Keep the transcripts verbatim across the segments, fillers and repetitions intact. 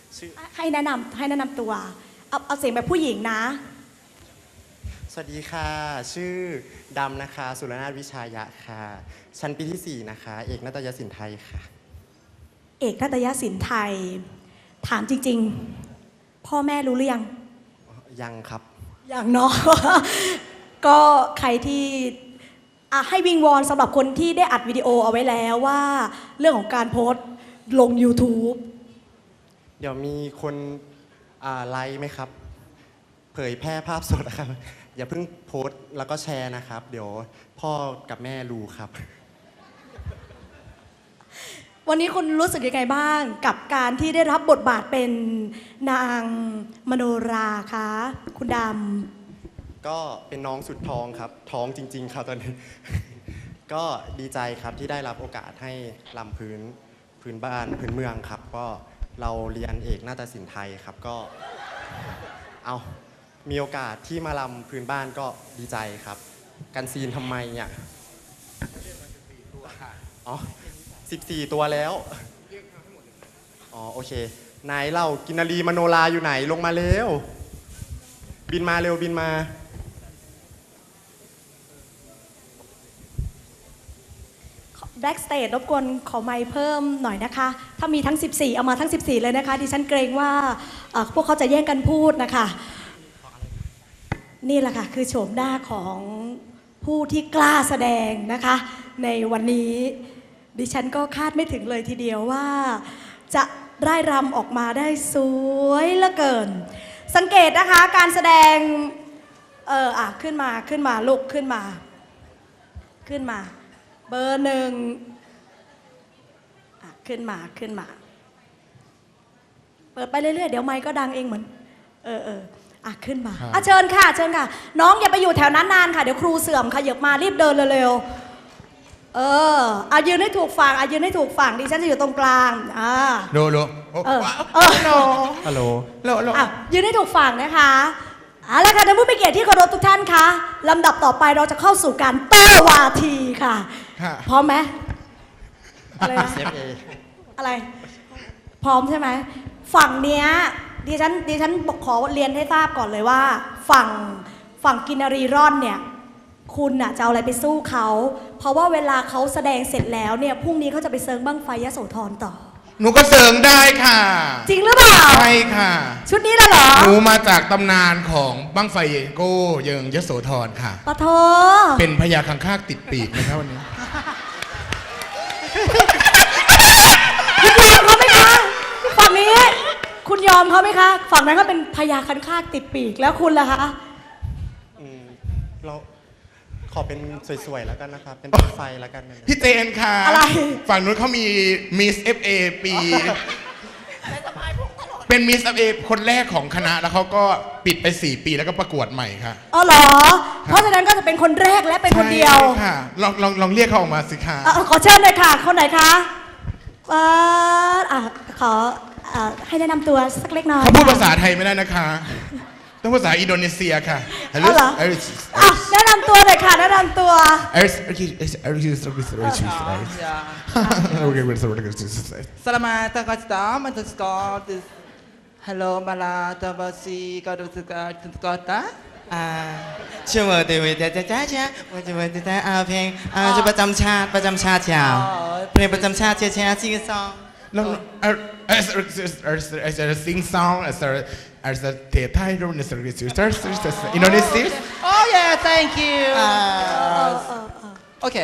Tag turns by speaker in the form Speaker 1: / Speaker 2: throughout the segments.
Speaker 1: ให้แนะนำให้แนะนำตัวเอาเอาเสียงแบบผู้หญิงนะ
Speaker 2: สวัสดีค่ะชื่อดำนะคะสุรนาถวิชายะค่ะชั้นปีที่สี่นะคะเอกนาฏยศิลป์ไทยค่ะ
Speaker 1: เอกนาฏยศิลป์ไทยถามจริงๆพ่อแม่รู้หรือยัง
Speaker 2: ยังครับ
Speaker 1: ยังเนาะ ก็ใครที่ให้วิงวอนสำหรับคนที่ได้อัดวิดีโอเอาไว้แล้วว่าเรื่องของการโพสต์ลง YouTube
Speaker 2: เดี๋ยวมีคนไลค์ไหมครับเผยแพร่ภาพสดนะครับอย่าเพิ่งโพสต์แล้วก็แชร์นะครับเดี๋ยวพ่อกับแม่รู้ครับ
Speaker 1: วันนี้คุณรู้สึกยังไงบ้างกับการที่ได้รับบทบาทเป็นนางมโนราคะคุณด
Speaker 2: ำก็เป็นน้องสุดท้องครับท้องจริงๆครับตอนนี้ ก็ดีใจครับที่ได้รับโอกาสให้ลำพื้นพื้นบ้านพื้นเมืองครับก็เราเรียนเอกนาฏศิลป์ไทยครับก็เอามีโอกาสที่มาลำพื้นบ้านก็ดีใจครับกันซีนทำไมเนี่ยอ๋อสิบสี่ตัวแล้วอ๋อโอเคนายเล่ากินนารีมโนราอยู่ไหนลงมาเร็วบินมาเร็วบินมา
Speaker 1: แบ็กสเตจรบกวนขอไมค์เพิ่มหน่อยนะคะถ้ามีทั้งสิบสี่เอามาทั้งสิบสี่เลยนะคะดิฉันเกรงว่าพวกเขาจะแย่งกันพูดนะคะนี่แหละค่ะคือโฉมหน้าของผู้ที่กล้าแสดงนะคะในวันนี้ดิฉันก็คาดไม่ถึงเลยทีเดียวว่าจะร่ายรำออกมาได้สวยเหลือเกินสังเกตนะคะการแสดงเอออ่ะขึ้นมาขึ้นมาลุกขึ้นมาขึ้นมาเบอร์หนึ่งอ่ะขึ้นมาขึ้นมาเปิดไปเรื่อยๆเดี๋ยวไมค์ก็ดังเองเหมือนเออเอออ่ะขึ้นมาอ่ะเชิญค่ะเชิญค่ะน้องอย่าไปอยู่แถวนั้นนานค่ะเดี๋ยวครูเสื่อมค่ะเหยียบมารีบเดินเร็วๆเอออ่ะยืนให้ถูกฝั่งอ่ะยืนให้ถูกฝั่งดิฉันจะอยู่ตรงกลางอ่า
Speaker 3: โลโล
Speaker 1: เออเออโล
Speaker 2: ฮัลโหล
Speaker 3: โลโล
Speaker 1: อ่ะยืนให้ถูกฝั่งนะคะเอาละค่ะท่านผู้มีเกียรติที่เคารพทุกท่านคะลำดับต่อไปเราจะเข้าสู่การโต้วาทีค่ะพร้อมไหมอะไรนะอะไร พร้อมใช่ไหมฝั่งเนี้ยดิฉันดิฉันขอเรียนให้ทราบก่อนเลยว่าฝั่งฝั่งกินนารีร่อนเนี่ยคุณน่ะจะเอาอะไรไปสู้เขาเพราะว่าเวลาเขาแสดงเสร็จแล้วเนี่ยพรุ่งนี้เขาจะไปเซิร์งบั้งไฟยโสธรต่อ
Speaker 3: หนูก็เสริงได้ค่ะ
Speaker 1: จริงหรือเปล่า
Speaker 3: ใช่ค่ะ
Speaker 1: ชุดนี้ละเหรอ
Speaker 3: หนูมาจากตำนานของบั้งไฟโก้เยิงยโสธรค่ะ
Speaker 1: ปะโถ
Speaker 3: เป็นพญาคังคากติดปีกนะครับวันนี้
Speaker 1: คุณยอมเขาไหมคะฝั่งนี้คุณยอมเขาไหมคะฝั่งนั้นก็เป็นพญาคังคากติดปีกแล้วคุณล่ะคะ
Speaker 2: อืมเราขอเป็นสวยๆแล้วกันนะครับเป็นไฟแล้วกัน
Speaker 3: พี่เจนค่ะ
Speaker 1: อะไร
Speaker 3: ฝั่งนู้นเขามีมิสเอฟเอปีเป็นมิสเอฟเอคนแรกของคณะแล้วเขาก็ปิดไปสี่ปีแล้วก็ประกวดใหม่ค่ะ
Speaker 1: อ๋อเหรอเพราะฉะนั้นก็จะเป็นคนแรกและเป็นคนเดียว
Speaker 3: ค่ะลองลองลองเรียกเขาออกมาสิคะ
Speaker 1: ขอเชิญเลยค่ะคนไหนคะอ่าขอให้แนะนำตัวสักเล็กน้อย
Speaker 3: เขาพูดภาษาไทยไม่ได้นะคะต้องภาษาอินโดนีเซียค่ะ
Speaker 1: ฮัลโหลแนะนำตัวเลยค่ะแนะนำตัว
Speaker 4: Selamat datang di sekolah. Halo Malata Basi kau suka kota?
Speaker 5: Ah, cuma dewi jaja jaja, wajib wajib ahเพลงอ่าจะประจำชาติประจำชาติยาวเพลงประจำชาติเชียร์เชียร์ซิงซอง
Speaker 3: แล้วเออเออเออเออซิงซองเออเออเทไทยรูปในสระสิวเตอร์อินโดนีเซีย
Speaker 4: Oh yeah, thank you. Okay.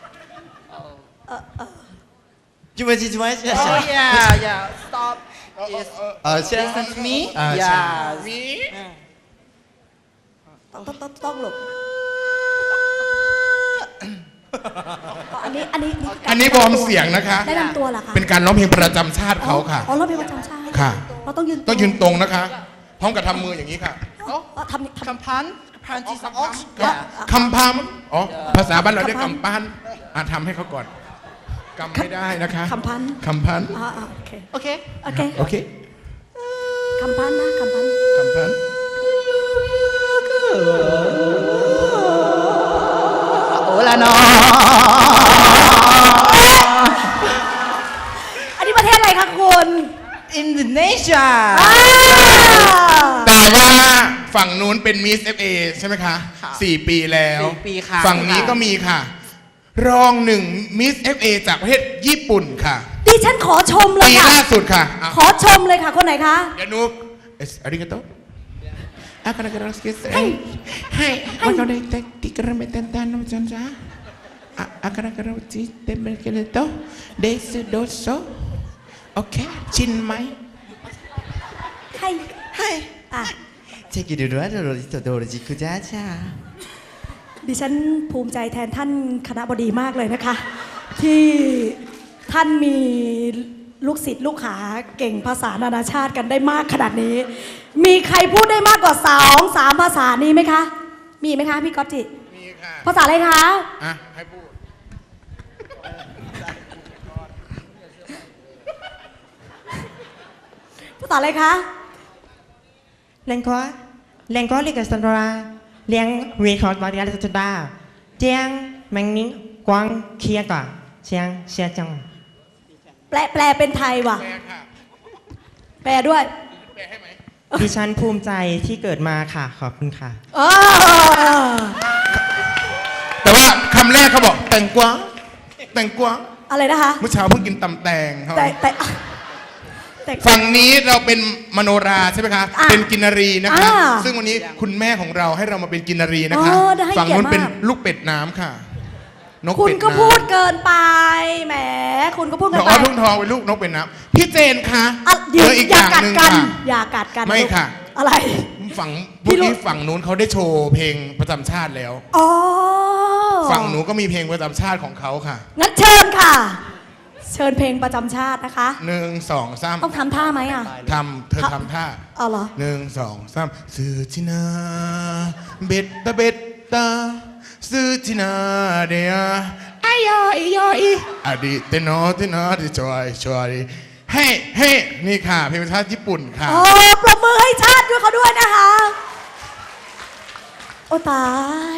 Speaker 5: จุ๊บจิ๊บจิ๊บ
Speaker 4: Oh yeah, yeah. Stop. Yes. Listen to me. Yeah. Me.
Speaker 1: ต้องต้องต้องหลบอันนี้อันนี้
Speaker 3: อันนี้วอร์มเสียงนะคะ
Speaker 1: แนะนำตัวเหรอคะ
Speaker 3: เป็นการร้องเพลงประจำชาติเขาค่ะ
Speaker 1: อ๋อร้องเพลงประจำชาติ
Speaker 3: ค่ะ
Speaker 1: เราต้องยืน
Speaker 3: ต้องยืนตรงนะคะพร้อมกับทำมืออย่างนี้ค่ะ
Speaker 1: ทำ
Speaker 4: คำพันพันที่สอง
Speaker 3: คำพันอ๋อภาษาบ้านเราเรียกคำพันอ่ะทำให้เขาก่อนกำไม่ได้นะคะ
Speaker 1: คำพัน
Speaker 3: คำพัน
Speaker 1: อ่าโอเค
Speaker 4: โอเค
Speaker 1: โอเค
Speaker 3: โอเค
Speaker 1: คำพันนะคำพัน
Speaker 3: คำพัน
Speaker 4: โอ้ละเนาะ
Speaker 1: อันนี้ประเทศอะไรคะคุณ
Speaker 4: Indonesia
Speaker 1: อ่า
Speaker 3: แต่ว่าฝั่งนู้นเป็นมิสเอฟเอใช่ไหมคะ
Speaker 4: ค่ะ
Speaker 3: สี่ปีแล้ว
Speaker 4: สี่ปีค่ะ
Speaker 3: ฝั่งนี้ก็มีค่ะ รองหนึ่งมิสเอฟเอจากประเทศญี่ปุ่นค่ะ
Speaker 1: ดิฉันขอชมเลย
Speaker 3: ปี
Speaker 1: ค่ะ
Speaker 3: ล่าสุดค่ะอ่ะ
Speaker 1: ขอชมเลยค่ะ คนไหนคะ
Speaker 3: เดี๋ยวนุกเอสอาริกาโตอาการการสกิสให้ให้วันนี้เด็กที่กระเม็ดตันตันน้ำจันจ้าอาการการจิตเต็มเป็นกันโตเดซโดโซโอเคชินไหม
Speaker 1: ให้
Speaker 5: ให้
Speaker 1: อ่ะ
Speaker 5: เทกิดูด้วยโดโรจิโตโดโรจิคุจ้าจ้า
Speaker 1: ดิฉันภูมิใจแทนท่านคณบดีมากเลยนะคะ ที่ท่านมีลูกศิษย์ลูกหาเก่งภาษานานาชาติกันได้มากขนาดนี้ มีใครพูดได้มากกว่าสองสามภาษานี้ไหมคะ มีไหมคะพี่ก๊อตจิ
Speaker 3: มีค่ะ
Speaker 1: ภาษาอะไรคะ
Speaker 3: อ่ะให้พูด
Speaker 1: ภาษาอะไรคะ
Speaker 6: Lengkua, lengkua liga sandra, liang record varial sandra, tiang mangning quang kia cả, chiang xia chang.
Speaker 1: แปลแปลเป็นไทยว่ะ
Speaker 3: แปลค่ะ
Speaker 1: แปลด้วย
Speaker 3: แปลให้ไหม
Speaker 6: ดิฉันภูมิใจที่เกิดมาค่ะ ขอบคุณค่ะ
Speaker 1: เออ
Speaker 3: แต่ว่าคำแรกเขาบอกแต่งกวางแต่งกวาง
Speaker 1: อะไรนะคะ
Speaker 3: เมื่อเช้าเพิ่งกินตำแตงเขา
Speaker 1: แต่แต่แต่
Speaker 3: ฝั่งนี้เราเป็นมโนราใช่ไหมคะ
Speaker 1: อ่ะ
Speaker 3: เป็นกินนารีนะคะ
Speaker 1: อ่า
Speaker 3: ซึ่งวันนี้คุณแม่ของเราให้เรามาเป็นกินนารีนะคะ
Speaker 1: อ๋อได้ให้
Speaker 3: ฝั่งนู้น
Speaker 1: เกียรติมาก
Speaker 3: เป็นลูกเป็ดน้ำค่ะ นก
Speaker 1: คุณ
Speaker 3: เป็ด
Speaker 1: ก็
Speaker 3: น้ำ
Speaker 1: พูดเกินไป แหม คุณก็พูด
Speaker 3: น้
Speaker 1: เกิ
Speaker 3: อน ง
Speaker 1: ไป
Speaker 3: อ้อทุ่งทองเป็นลูกนกเป็ดน้ำพี่เจนคะ
Speaker 1: อ่ะ
Speaker 3: เห
Speaker 1: เดี๋ยว
Speaker 3: ลืออีก
Speaker 1: อ
Speaker 3: อย่าง
Speaker 1: ย่ากัด
Speaker 3: หนึ่ง
Speaker 1: กัน
Speaker 3: ค่ะ
Speaker 1: อย่ากัดกัน
Speaker 3: ไม่
Speaker 1: ลูก
Speaker 3: ค่ะ
Speaker 1: อะไร
Speaker 3: ฝั่ง
Speaker 1: พี่
Speaker 3: เมื่อ
Speaker 1: รู้
Speaker 3: กี้ฝั่งนู้นเขาได้โชว์เพลงประจำชาติแล้ว
Speaker 1: อ๋อ
Speaker 3: ฝั่งหนูก็มีเพลงประจำชาติของเขาค่ะ
Speaker 1: งั้นเชิญค่ะ เชิญเพลงประจำชาตินะคะ
Speaker 3: หนึ่งสองสาม
Speaker 1: ต้องทำท่าไหมอ่ะ
Speaker 3: ทำเธอทำท่า
Speaker 1: เอาเหรอ
Speaker 3: หนึ่งสองสามซื้อที่นาเบ็ดตาเบ็ดตาซื้อที่นาเดียอายอยยอยอดีตโนเตโนที่จอยจอยเฮ้เฮ้นี่ค่ะเพลงประชาติญี่ปุ่นค่ะ
Speaker 1: อ๋อ ปรบมือให้ชาติด้วยเขาด้วยนะคะ โอ้ตาย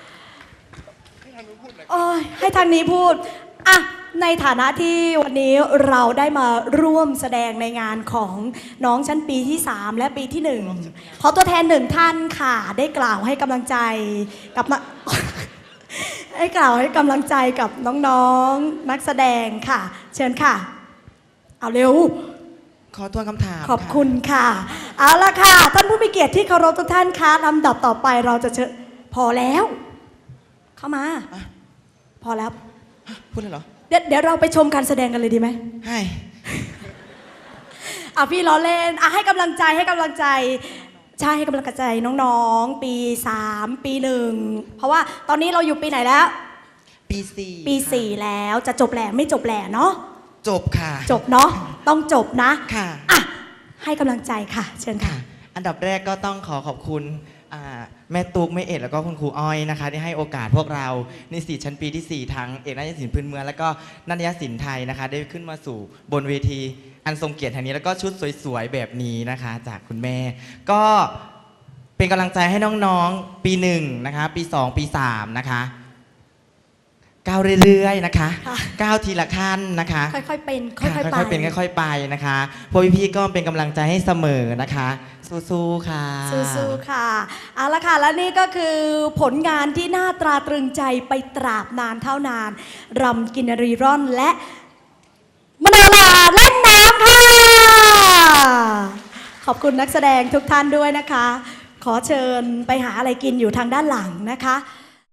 Speaker 1: โอ้ยให้ทางนี้พูด อ่ะ ในฐานะที่วันนี้เราได้มาร่วมแสดงในงานของน้องชั้นปีที่ สาม และปีที่หนึ่งขอตัวแทนหนึ่งท่านค่ะ ได้กล่าวให้กำลังใจกับนะ ให้กล่าวให้กำลังใจกับน้องๆนักแสดงค่ะ เชิญค่ะ เอาเร็ว
Speaker 5: ขอทวนคำถาม
Speaker 1: ขอบคุณค่ะ เอาละค่ะ ท่านผู้มีเกียรติที่เคารพทุกท่านคะลำดับต่อไปเราจะเชิญพอแล้ว เข้ามา พอแล้ว
Speaker 5: พูดเลยเหรอ
Speaker 1: เดี๋ยวเดี๋ยวเราไปชมการแสดงกันเลยดีไหม
Speaker 5: ให้
Speaker 1: อ่ะพี่ล้อเล่นอ่ะให้กำลังใจให้กำลังใจใช่ให้กำลังใจน้องๆ ปีสามปีหนึ่งเพราะว่าตอนนี้เราอยู่ปีไหนแล้ว
Speaker 5: ปีสี่
Speaker 1: ปีสี่แล้วจะจบแหล่ไม่จบแหล่เนาะ
Speaker 5: จบค่ะ
Speaker 1: จบเนาะต้องจบนะ
Speaker 5: ค่ะ
Speaker 1: อ่ะให้กำลังใจค่ะ เชิญค่ะ
Speaker 5: ค่ะ อันดับแรกก็ต้องขอขอบคุณอ่าแม่ตุ๊กแม่เอ็ดแล้วก็คุณครูอ้อยนะคะที่ให้โอกาสพวกเรานิสิตชั้นปีที่สี่ทั้งเอกนาฏศิลป์พื้นเมืองแล้วก็นาฏศิลป์ไทยนะคะได้ขึ้นมาสู่บนเวทีอันทรงเกียรติแห่งนี้แล้วก็ชุดสวยๆแบบนี้นะคะ จากคุณแม่ ก็เป็นกำลังใจให้น้องๆปีหนึ่งนะคะปีสองปีสามนะคะก้าวเรื่อยๆนะคะ
Speaker 1: ค่ะ
Speaker 5: ก้าวทีละขั้นนะคะ
Speaker 1: ค่อยๆเป็นค่
Speaker 5: ค่ะ
Speaker 1: อยๆไป
Speaker 5: ค่อยๆเป็นค่อยๆไปนะคะพวกพี่ๆก็เป็นกำลังใจให้เสมอนะคะ สู้ๆค่ะ
Speaker 1: สู้ๆค่ะ เอาละค่ะ และนี่ก็คือผลงานที่น่าตราตรึงใจไปตราบนานเท่านาน รำกินรีร่อนและมโนราเล่นน้ำค่ะ ขอบคุณนักแสดงทุกท่านด้วยนะคะ ขอเชิญไปหาอะไรกินอยู่ทางด้านหลังนะคะ